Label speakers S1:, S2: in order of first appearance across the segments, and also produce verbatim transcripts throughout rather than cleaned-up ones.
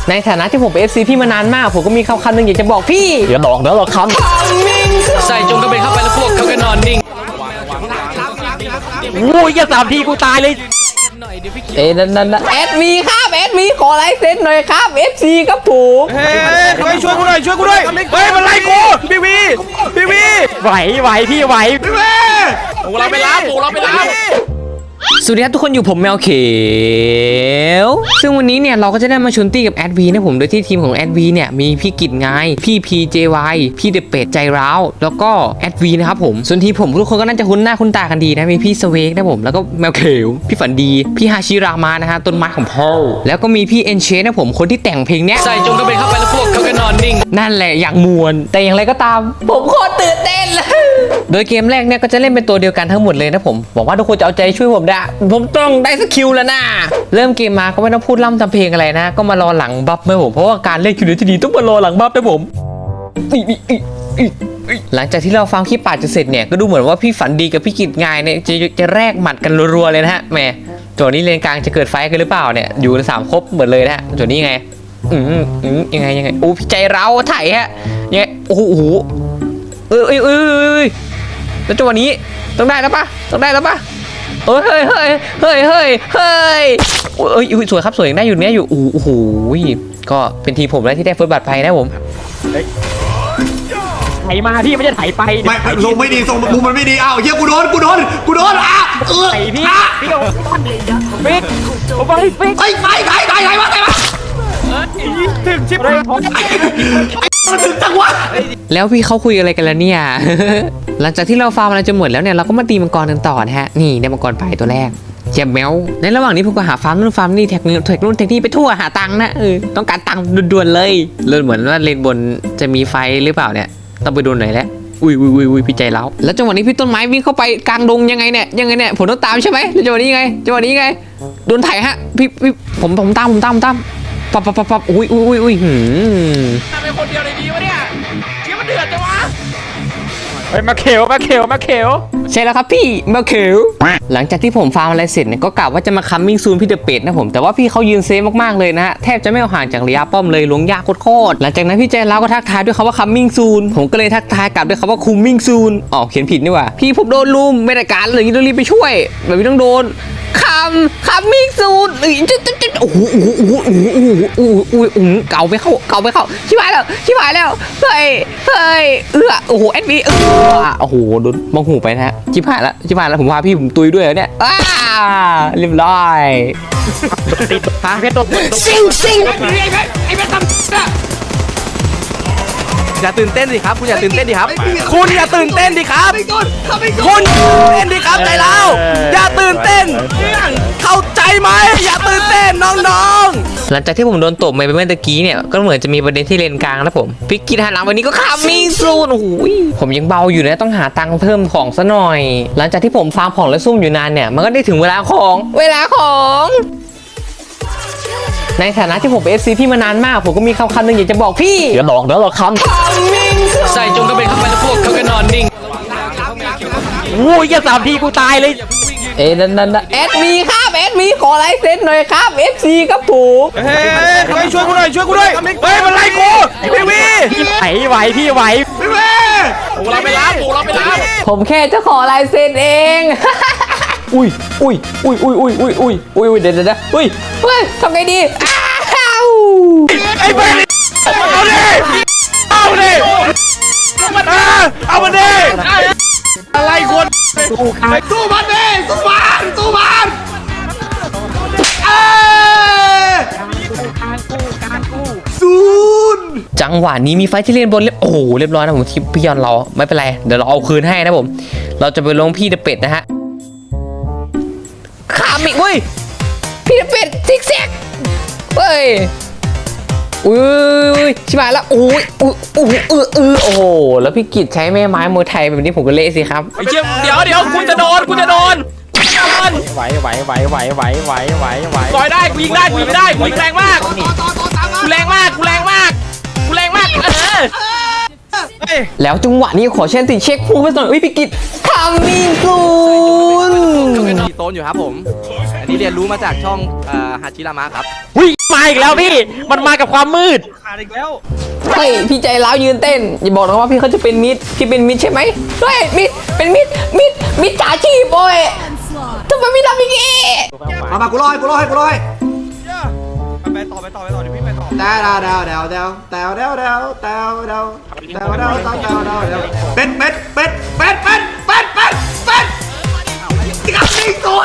S1: ในฐานะที่ผมเป็น เอฟ ซี พี่มานานมากผมก็มีคำคำหนึ่งอยากจะบอกพี่อย่าบอกนะหรอกคำใส่จงกระเบนเข้าไปแล้วพวกเขาก็นอนนิ่งโอ้ยอย่าสามทีกูตายเลยเอ้นั่นนั่นเอสวีครับเอสวีขอไลฟ์เซ็นหน่อยครับ เอฟ ซี ครับผม
S2: เฮ้ยช่วยกูหน่อยช่วยกูด้วยเฮ้ยมันไล่กูพี่วีพี่วี
S1: ไหวไหวพี่ไหว
S2: พี่วีโอ้เราไปรับโอ้เราไปรับ
S1: สวัสดีครับทุกคนอยู่ผมแมวเขียวซึ่งวันนี้เนี่ยเราก็จะได้มาชวนตี้กับแอดวีนะผมโดยที่ทีมของแอดวีเนี่ยมีพี่กิจไงพี่พีเจวายพี่เดเป็ดใจร้าวแล้วก็แอดวีนะครับผมส่วนทีมผมทุกคนก็น่าจะคุ้นหน้าคุ้นตากันดีนะมีพี่สเวกนะผมแล้วก็แมวเขียวพี่ฝันดีพี่ฮาชิรามานะฮะต้นไม้ของพ่อแล้วก็มีพี่เอ็นเชนนะผมคนที่แต่งเพลงเนี้ยใส่จงกระเบนเข้าไปแล้วพวกเขาก็นอนนิ่งนั่นแหละอย่างมวลแต่อย่างไรก็ตามผมโคตรตื่นเต้นเลยโดยเกมแรกเนี่ยก็จะเล่นเป็นตัวเดียวกันทั้งหมดเลยนะผมหวังว่าทุกคนจะเอาใจช่วยผมได้ผมต้องได้สกิลแล้วนะเริ่มเกมมาก็ไม่ต้องพูดล่ำทำเพลงอะไรนะก็มารอหลังบัฟนะผมเพราะว่าการเล่นคิวเนที่ดีต้องมารอหลังบัฟนะผมหลังจากที่เราฟังคลิปป่าจะเสร็จเนี่ยก็ดูเหมือนว่าพี่ฝันดีกับพี่กิจงายเนี่ยจะจะแลกหมัดกันรัวๆเลยนะฮะแหมจวนี้เลนกลางจะเกิดไฟกันหรือเปล่าเนี่ยอยู่สามครบเหมือนเลยนะฮะจวนี้ไงอืมอืมยังไงยังไงโอ้พี่ใจเราไถ่ฮะยังไงโอ้โหเอ้ยเอ้ยเอ้ยแล้วจังหวะนี้ต้องได้แล้วปะต้องได้แล้วปะเฮ้ยเฮ้ยเฮ้ยเฮ้ยเฮ้ยเฮ้ยเอ้ยสวยครับสวยยังได้อยู่เนี้ยอยู่โอ้โหก็เป็นทีผมแล้วที่ได้เฟิร์สบัตรไปนะผมไถมาพี่ไม่ใช่ไถไป
S2: ไม่ทรงไม่ดีทรงมุมมันไม่ดีอ้าวเฮียกูโดนกูโดนกูโดนอ่ะเออ
S1: ไถพี่พี่เอาฟิกเอาไปฟิก
S2: ไอ้ไฟไฟไฟไฟมาไฟมาถึงชิบเลยมันถึงจังวะ
S1: แล้วพี่เขาคุยอะไรกันแล้วเนี่ยหลังจากที่เราฟาร์มอะไรจนหมดแล้วเนี่ยเราก็มาตีมังกรกันต่อนะฮะนี่ได้มังกรไปตัวแรกเจ็บแมวในระหว่างนี้ผมก็หาฟาร์มนู่นฟาร์มนี่แท็กนู่นแท็กนู่นแท็กนี่ไปทั่วหาตังค์นะเออต้องการตังค์ด่วนๆเลยเลยเหมือนว่าเลนบนจะมีไฟหรือเปล่าเนี่ยต้องไปดูหน่อยแล้วอุ้ยอุ้ยอุ้ยอุ้ยพี่ใจแล้วแล้วจังหวะนี้พี่ต้นไม้วิ่งเข้าไปกลางดงยังไงเนี่ยยังไงเนี่ยผมต้องตามใช่ไหมแล้วจังหวะนี้ยังไงจังหวะนี้ยังไงโดนไถฮะพี่พี่ผมผมตามผมตามผมตามปับปับปับปับอุ้ยอุ้ยอุ้ยอุ้ยหืม
S2: ทำเป็นคนเดียวในนี้วะเนี่ยเชี่ยมันเดือดจังวะ
S1: เฮ้ยมาเขียวมาเขียวมาเขียวใช่แล้วครับพี่มาเขียวหลังจากที่ผมฟาร์มอะไรเสร็จเนี่ยก็กะว่าจะมาคัมมิ่งซูนพี่เดอะเป็ดนะผมแต่ว่าพี่เขายืนเซฟมากๆเลยนะฮะแทบจะไม่เอาห่างจากระยะป้อมเลยล้วงยากโคตรๆหลังจากนั้นพี่ใจแล้วก็ทักทายด้วยคำว่าคัมมิ่งซูนผมก็เลยทักทายกลับด้วยคำว่าคุมมิ่งซูนอ๋อเขียนผิดนี่หว่าพี่ผมโดนลุมไม่ได้การเลยต้องรีบไปช่วยแบบนี้ต้องโดนคัมคัมมิ่งซูนโอ้โหโอ้โหโอ้โหโอ้โหโอ้โหโอ้โหเก่าไปเข้าเก่าไปเข้าชิบหายแล้วชิบหายแล้วเฮ้ยเฮ้ยเอื้อโอ้โหเอ็ดวีเออโอ้โหโดนมองหูไปนะฮะชิบหายแล้วชิบหายแล้วผมพาพี่ผมตุยด้วยแล้วเนี่ยอ้าเรียบร้อยติดพาเพชรตกซิงซิงไอ้เพชรไอ้เพชรทำ
S2: อย่าตื่นเต้นดิครับคุณอย่าตื่นเต้นดิครับคุณอย่าตื่นเต้นดิครับคุณเต้นดิครับใจเราอย่าตื่นเต้นเข้าใจไหมอย่าตื่นเต้นน้อง
S1: ๆหลังจากที่ผมโดนตบไปเมื่อตะกี้เนี่ยก็เหมือนจะมีประเด็นที่เลนกลางแล้วผมพิกกี้หันหลังวันนี้ก็ขามีซูนโอ้โหผมยังเบาอยู่นะต้องหาตังค์เพิ่มของซะหน่อยหลังจากที่ผมฟาร์มของและซุ่มอยู่นานเนี่ยมันก็ได้ถึงเวลาของเวลาของในฐานะที่ผมเป็น เอฟ ซี พี่มานานมากผมก็มีคำคำหนึ่งอยากจะบอกพี่อย่าบอกนะหรอกคำใส่จงกระเบนเข้าไปแล้วพวกเขาก็นอนนิ่งโอ้ยอย่าสามทีกูตายเลยเอ้นั่นนั่นเอสวีครับเอสวีขอไลฟ์เซ็นหน่อยครับ เอฟ ซี ครับผม
S2: เฮ้ยช่วยกูหน่อยช่วยกูด้วยเฮ้ยมันไล่กูพี่วี
S1: ไหวไหวพี่ไหว
S2: พี่วีโอ้เราไปรับโอ้เราไปรับ
S1: ผมแค่จะขอไลฟ์เซ็นเองอุ้ยอุ้ยอุ้ยอุ้ยอุ้ยอุ้ยอุ้ยอุ้ยเดี๋ยวเดี๋ยวอุ้ยเฮ้ยทำไงดีอ้าว
S2: ไอ้เบลเอาดิเอาดิเอามาดิอะไรคนสู้มันดิสู้มันสู้มันซูน
S1: จังหวะนี้มีไฟที่เล่นบนเรียบโอ้โหเรียบร้อยนะผมที่พี่ยอนเราไม่เป็นไรเดี๋ยวเราเอาคืนให้นะผมเราจะไปลงพี่เดอะเป็ดนะฮะขามอีกเว้ยพี่เป็ดซิกแซกเฮ้ยอุ้ยชิบหายแล้วโอ้ยอุ้ยอุ้ยเออเออโอ้โหแล้วพี่กิจใช้แม่ไม้มวยไทยแบบนี้ผมก็เละสิครับ
S2: ไอ้เชี่ยเดี๋ยวเดี๋ยวคุณจะโดนคุณจะโดน
S1: ไหวไหวไหวไหวไหวไหวไหวไหว
S2: ต่อยได้กูยิงได้กูยิงได้กูยิงแรงมากกูแรงมากกูแรงมากกูแรงมากเออ
S1: แล้วจังหวะนี้ขอเช่นติเช็คพุ่งไปหน่อยพี่กิจทำมิงซูน
S2: มีโซนอยู่ครับผมนนี้เรียนรู้มาจากช่องฮาชิรามะครับ
S3: วิ่งมาอีกแล้วพี่มันมากับความมืด
S2: ขาดอีกแล้ว
S1: เฮ้ยพี่ใจร้าวยืนเต้นอย่าบอกนะว่าพี่เขาจะเป็นมิดพี่เป็นมิดใช่ไหมเฮ้ยมิดเป็นมิดมิดมิดจ่าชีพโอ้ยทำไมไม่ทำอย่างงี้
S4: มามากูรอให้กูรอให้กูรอให้
S2: ไปต่อไปต่อไปต่อเดี๋ยวพี่ไปต่อ
S4: ดาวดาวดาวดาวดาวดาวดาวดาวดาวดาวดาวดาวดาวดาวดาวดาวดาวเป็ดเป็ดเป็ดเป็ดเป็ดเป็ดเป็ดเป็ดกัดไม่ตัว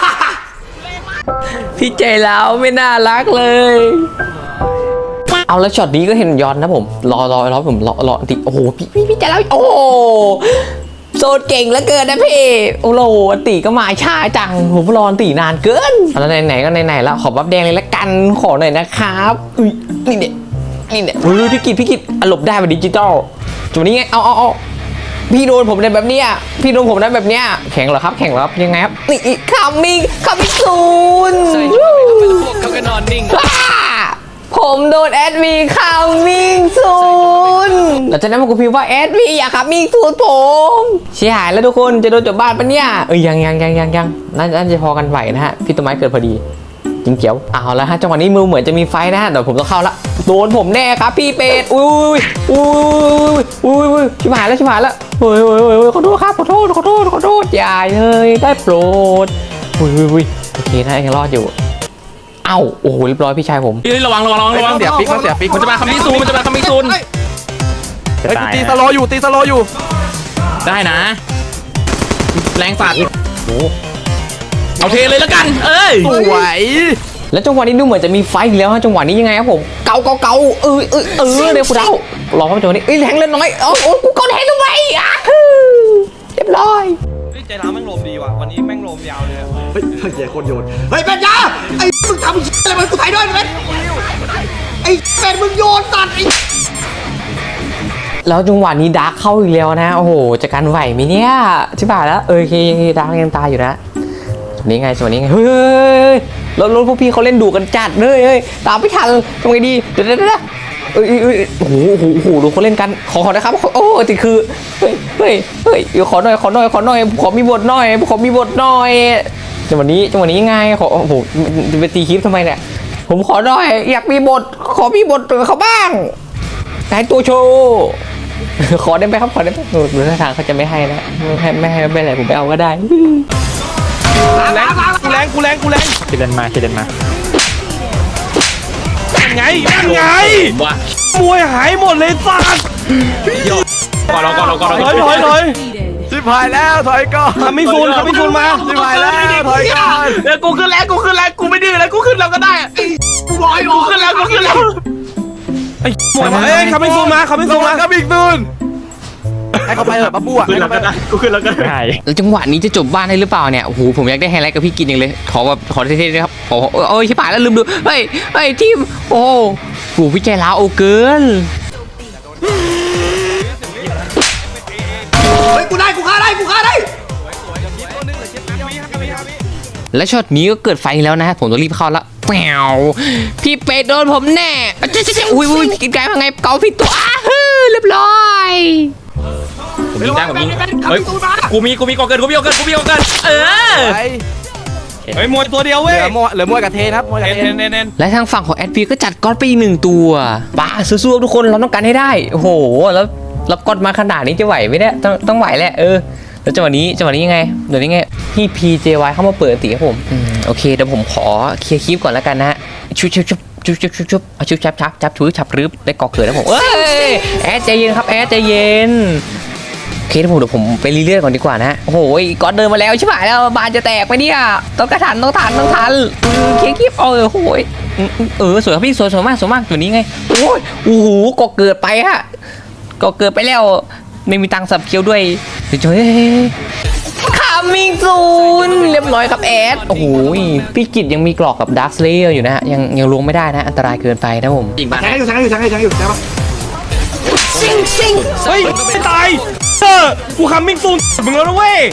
S1: พี่ใจร้าวไม่น่ารักเลยเอาแล้วช็อตนี้ก็เห็นย้อนนะผมรอรอรอผมรอรอติโอ้โหพี่พี่พี่ใจร้าวโอ้โหโซนเก่งเหลือเกินนะพี่โอ้โหอันติก็มาช้าจังผมรออันตินานเกินแล้วไหนๆก็ไหนๆแล้วขอบัฟแดงเลยละกันขอหน่อยนะครับอุ้ยนี่เนี่ยนี่เนี่ยอุ้ยพี่กิตพี่กิตอารมณ์ได้แบบดิจิตอลจุดนี้ไงเอาเอาเอาพี่โดนผมในแบบเนี้ยพี่โดนผมในแบบเนี้ยแข็งเหรอครับแข็งเหรอครับยังไงครับนี่คัมมิ่งคัมมิ่งซูนเขาก็นอนนิ่งผมโดนแอดวีคัมมิ่งซูนแล้วจากนั้นมันก็พิมพ์ว่าแอดวีอย่าคัมมิ่งซูนผมเสียหายแล้วทุกคนจะโดนจบบ้านปะเนี่ยเอ้ยยังยังยังยังยังน่าจะพอกันไหวนะฮะพี่ต้นไม้เกิดพอดีจริงเจียวเอาแล้วฮะจังหวะนี้มือเหมือนจะมีไฟนะฮะเดี๋ยวผมต้องเข้าละโดนผมแน่ครับพี่เป็ดอุ้ยอุ้ยอุ้ยอุ้ยชิบหายแล้วชิบหายแล้วเฮ้ยเฮ้ยเฮ้ยขอโทษครับขอโทษขอโทษขอโทษอย่าเลยได้โปรดอุ้ยอุ้ยอุ้ยโอเคนะยังรอดอยู่เอ้าโอ้โหเรียบร้อยพี่ชายผม
S3: เฮ้ยระวังระวังระวัง
S2: เสียฟิกมันเสียฟิก
S3: มันจะมาคัมมิ่งซูนมันจะมาคัมมิ่งซูน
S2: เฮ้ยตีสโลอยู่ตีสโลอยู่
S3: ได้นะ แรงฝาดโอ้เอาเทเลยแล้วกันเอ้ย
S2: สวย
S1: แล้วจังหวะนี้ดูเหมือนจะมีไฟอีกแล้วฮะจังหวะนี้ยังไงครับผมเกาเกาเกาเออเออเออเดี๋ยวคุณเดารอครับจังหวะนี้เอ้ยแทงเล่นน้อยโอ้โหกูกดแทงทำไมอ่ะเรียบร้อย
S2: ใจร้าวแม่งลมดีว่ะวันนี้แม่งลมยาวเลย
S4: เฮ้ยเฮ้ยคนโยนเฮ้ยเป็ดยาไอ้มึงทำอะไรมันกูถ่ายด้วยเป็ดไอ้เป็ดมึงโยนตัดไอ้
S1: แล้วจังหวะนี้ดาร์กเข้าอีกแล้วนะโอ้โหจะกันไหวไหมเนี่ยชิบหายแล้วเออเคดาร์กยังตายอยู่นะจังหวะนี้ไงจังหวะนี้ไงเฮ้ยรถรถพวกพี่เขาเล่นดุกันจัดเลยเฮ้ยตามไม่ทันทำไงดีเดี๋ยวเดี๋ยวเดี๋ยวเอ้ยเอ้ยโอ้โหโอ้โหโอ้โหดูเขาเล่นกันขอขอนะครับโอ้ติคือเฮ้ยเฮ้ยเฮ้ยขอหน่อยขอหน่อยขอหน่อยขอมีบทหน่อยขอมีบทหน่อยจังหวะนี้จังหวะนี้ไงขอโอ้โหจะไปตีคลิปทำไมเนี่ยผมขอหน่อยอยากมีบทขอมีบทเขาบ้างแต่ตัวโชว์ขอได้ไหมครับขอได้ไหมหนูท่าทางเขาจะไม่ให้นะไม่ให้ไม่ให้ไม่เป็นไรผมไปเอาก็ได้
S2: แรงกูแรงกูแรงกูแรง
S3: คิดเดินมาคิดเดินมา
S2: ไงนั่นไง
S3: ว่าม
S2: วยหายหมดเลยสัตว์
S3: ก่อนเราก่อนเราก่อนเรา
S2: ถอยถอยถอยชิบหายแล้วถอยก่อนทำไม่ซูนทำไม่ซูนมาชิบหายแล้วถอยก่อน
S3: เออกูขึ้นแล้วกูขึ้นแล้วกูไม่ดื้อแล้วกูขึ้นแล้วก็ได้
S4: กูลอย
S3: กูขึ้นแล้วกูขึ้นแล้ว
S2: ไอ้หมวยมาเอ้ยทำไม่ซูนมาทำไม่ซูนมาทำไม่ซูนให้เขาไปเถอะป้าปู่อ่ะ
S3: ขึ้นแล้วก็ได้กูขึ้นแล้วก็ได้
S1: แล้วจังหวะนี้จะจบบ้านได้หรือเปล่าเนี่ยโอ้โหผมอยากได้ไฮไลท์กับพี่กินอย่างเลยขอแบบขอเท่ๆด้วยครับขอโอ้ยชิบหายแล้วลืมดูเฮ้ยเฮ้ยทีมโอ้โหพี่ใจร้าวโอเกิน
S4: เฮ้ยกูได้กูฆ่าได้กูฆ่าได้
S1: และช็อตนี้ก็เกิดไฟแล้วนะผมต้องรีบเข้าละแปวพี่เป็ดโดนผมแน่เจ๊เจ๊อุ้ยอุ้ยกินไก่มาไงเกาพี่ตัวอ้าฮือเรียบร้อย
S3: ผมยิงได้ผมยิงเฮ้ยกูมีกูมีก่อเกินกูมีก่อเกินกูมีก่อเกินเออ
S2: เฮ้ยมวยตัวเดียวเว้ยเหลือมวยเหลือมวยกับเทนครับมวยกับเทน
S1: และทางฝั่งของแอดพีก็จัดก๊อตไปอีกหนึ่งตัวป้าสู้ๆทุกคนเราต้องการให้ได้โอ้โหแล้วรับก๊อตมาขนาดนี้จะไหวไหมเนี่ยต้องต้องไหวแหละเออแล้วจังหวะนี้จังหวะนี้ยังไงเดี๋ยวนี้ไงพี่ พี เจ วาย เข้ามาเปิดตีให้ผมอืมโอเคเดี๋ยวผมขอเคลียร์คลิปก่อนแล้วกันนะฮะชุบชุบชุบชุบชุบชุบชุบเอาชุบชับชับจับถือฉับรึบได้ก่อเกิดแล้วผมเอ้ยแอดใจเย็นครับแอดใจเย็นโอเคเดี๋ยวผมเดี๋ยวผมไปรีเลื่อนก่อนดีกว่านะโอ้โหก๊อตเดินมาแล้วใช่ไหมแล้วบานจะแตกไปเนี่ยต้องกระทันต้องทันต้องทันเคลียร์คลิปเออโอ้โหเออสวยครับพี่สวยสวยมากสวยมากตัวนี้ไงโอ้ยโอ้โหก่อเกิดไปฮะก่อเกิดไปแล้วไม่มีตังค์สับเคี้ยวด้วยเดี๋ยวเฮ้ยคามิงซูนเรียบร้อยครับแอดโอ้โหพี่กิจยังมีกรอกกับดาร์คสเลเยอร์อยู่นะฮะยังยังลวงไม่ได้นะอันตรายเกินไปนะผม
S3: ยิงบ้าน
S4: แทงให้อยู่แทงให้อยู่แทงให้อยู่แทงให้อยู่ใช่ปะ
S1: ซิงซิง
S2: เฮ้ยไม่ตายเออกูคัมมิ่งซูนมึงแล้วนะเว้ย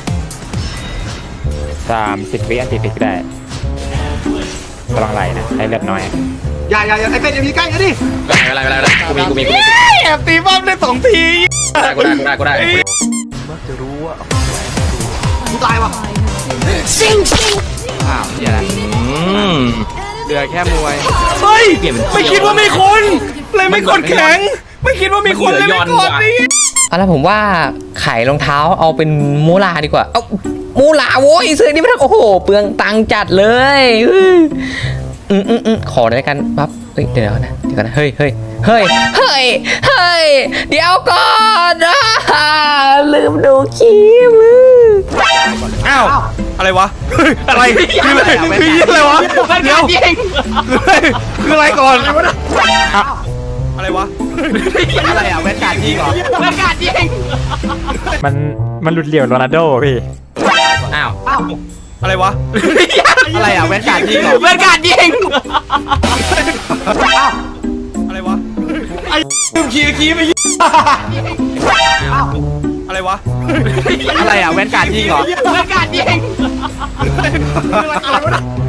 S5: สามสิบวิอันติฟิกได้ระวังไหลนะให้เลือดน้อย
S4: อย่าอย่าอย่าไอ้เป็ดอย่ามีใกล้กันดิ
S3: อะไรอะไรอะไรกูมีกูมีกูมี
S2: แอบตีบ้ามได้สองที
S3: กูได้กูได้กูได้
S4: กูตายวะ
S1: ซิงซิง
S2: อ้าวเหี้ยอะไร
S3: อืม
S2: เหลือแค่มวยเฮ้ยไม่คิดว่ามีคนเลยไม่กดแข็ง ไม่คิดว่ามีคนเลยไม่กดนี่
S1: เอาละผมว่าขายรองเท้าเอาเป็นมูลาดีกว่า เอามูลาโว้ยซื้อนี่ไม่ต้องโอ้โหเปลืองตังค์จัดเลยอืมอืมอืมอืมขอได้กันปั๊บเฮ้ยเดี๋ยวนะเดี๋ยวนะเฮ้ยเฮ้ยเฮ้ยเฮ้ยเฮ้ยเดี๋ยวก่อนอ่าลืมดูคลิป
S2: อ้าวอะไรวะอะไรคืออะไรคืออะไรวะเดี๋ยวคืออะไรก่อนอะไรวะอะไรอ่ะแวนการ์ดยิงเหรอแวนการ์ดยิง
S5: มันมันหลุดเหลี่ยวโรนัลโดพี่
S3: อ้าว
S2: อะไรวะอะไรอ่ะแวนการ์ดยิงเหรอ
S3: แวนการ์ดยิง
S2: อะไรวะไอ้ลืมขี่ขี่ไปอะไรวะอะไรอ่ะแวนการ์ดยิงเหรอแวนการ์ดยิง